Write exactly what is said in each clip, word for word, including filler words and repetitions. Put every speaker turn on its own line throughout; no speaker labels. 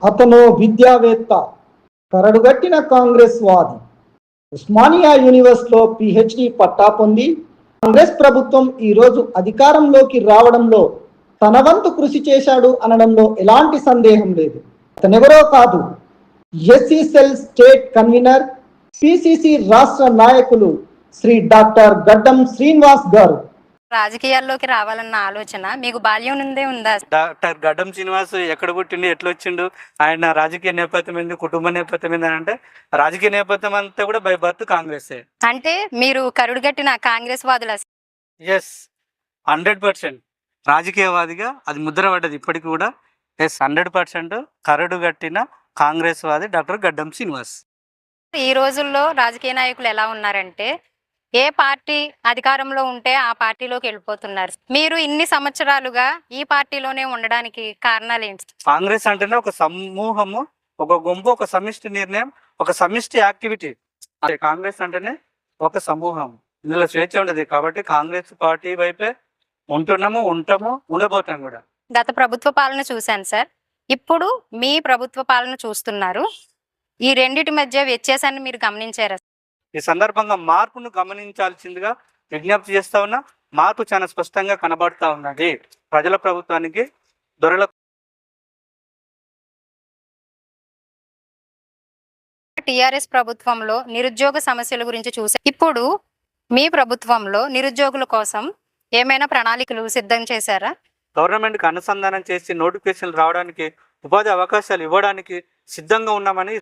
అతను విద్యావేత్త, కరడుగట్టిన కాంగ్రెస్ వాది. ఉస్మానియా యూనివర్సిటీలో పిహెచ్డి పట్టా పొంది కాంగ్రెస్ ప్రభుత్వం ఈరోజు అధికారంలోకి రావడంలో తన వంతు కృషి చేశాడు అనడంలో ఎలాంటి సందేహం లేదు. అతనెవరో కాదు, SC cell state convenor, PCC రాష్ట్ర నాయకులు శ్రీ డాక్టర్ గడ్డం శ్రీనివాస్ గారు.
రాజకీయాల్లోకి రావాలన్న ఆలోచన మీకు బాల్యం నుండే ఉందా?
డాక్టర్ గడ్డం శ్రీనివాస్ ఎక్కడ పుట్టిండు, ఎట్లా వచ్చిండు, ఆయన రాజకీయ నేపథ్యం ఏంది, కుటుంబ నేపథ్యం ఏంది అంటే రాజకీయ నేపథ్యం అంతా కూడా బై బర్త్ కాంగ్రెస్.
అంటే మీరు కరుడుగట్టిన కాంగ్రెస్ వాదుల?
ఎస్, హండ్రెడ్ పర్సెంట్ రాజకీయవాదిగా అది ముద్ర పడ్డది ఇప్పటికి కూడా. ఎస్, హండ్రెడ్ పర్సెంట్ కరడుగట్టిన కాంగ్రెస్ వాది డాక్టర్ గడ్డం శ్రీనివాస్.
ఈ రోజుల్లో రాజకీయ నాయకులు ఎలా ఉన్నారంటే ఏ పార్టీ అధికారంలో ఉంటే ఆ పార్టీలోకి వెళ్ళిపోతున్నారు. మీరు ఇన్ని సంవత్సరాలుగా ఈ పార్టీలోనే ఉండడానికి కారణాలు ఏంటి?
కాంగ్రెస్ అంటేనే ఒక సమూహము, ఒక గుంపు, ఒక సమిష్టి నిర్ణయం, ఒక సమిష్టి యాక్టివిటీ. కాంగ్రెస్ అంటేనే ఒక సమూహం, ఇందులో స్వేచ్ఛ ఉండదు. కాబట్టి కాంగ్రెస్ పార్టీ వైపే ఉంటున్నాము, ఉంటాము, ఉండబోతాం కూడా.
గత ప్రభుత్వ పాలన చూశాను సార్, ఇప్పుడు మీ ప్రభుత్వ పాలన చూస్తున్నారు. ఈ రెండిటి మధ్య వ్యత్యాసాన్ని మీరు గమనించారా?
ఈ సందర్భంగా మార్పును గమనించాల్సిందిగా విజ్ఞప్తి చేస్తా ఉన్నా. మార్పు చాలా స్పష్టంగా కనబడతా ఉన్నది. ప్రజల ప్రభుత్వానికి దొరల
టిఆర్ఎస్ ప్రభుత్వంలో నిరుద్యోగ సమస్యల గురించి చూసా. ఇప్పుడు మీ ప్రభుత్వంలో నిరుద్యోగుల కోసం ఏమైనా ప్రణాళికలు సిద్ధం చేశారా?
గవర్నమెంట్కి అనుసంధానం చేసి నోటిఫికేషన్లు రావడానికి, ఉపాధి అవకాశాలు ఇవ్వడానికి సిద్ధంగా ఉన్నామని.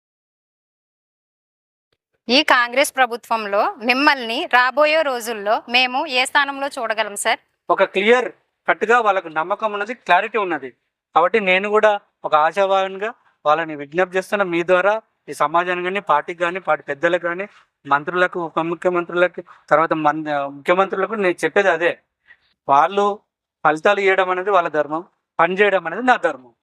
ఈ కాంగ్రెస్ ప్రభుత్వంలో మిమ్మల్ని రాబోయే రోజుల్లో మేము ఏ స్థానంలో చూడగలం సార్?
ఒక క్లియర్ కట్గా వాళ్ళకు నమ్మకం ఉన్నది, క్లారిటీ ఉన్నది. కాబట్టి నేను కూడా ఒక ఆశావాహంగా వాళ్ళని విజ్ఞప్తి చేస్తున్నా. మీ ద్వారా ఈ సమాజానికి కానీ, పార్టీకి కానీ, పార్టీ పెద్దలకు కానీ, మంత్రులకు, ఉప ముఖ్యమంత్రులకు, తర్వాత మన్ ముఖ్యమంత్రులకు నేను చెప్పేది అదే. వాళ్ళు ఫలితాలు ఇవ్వడం అనేది వాళ్ళ ధర్మం, పనిచేయడం అనేది నా ధర్మం.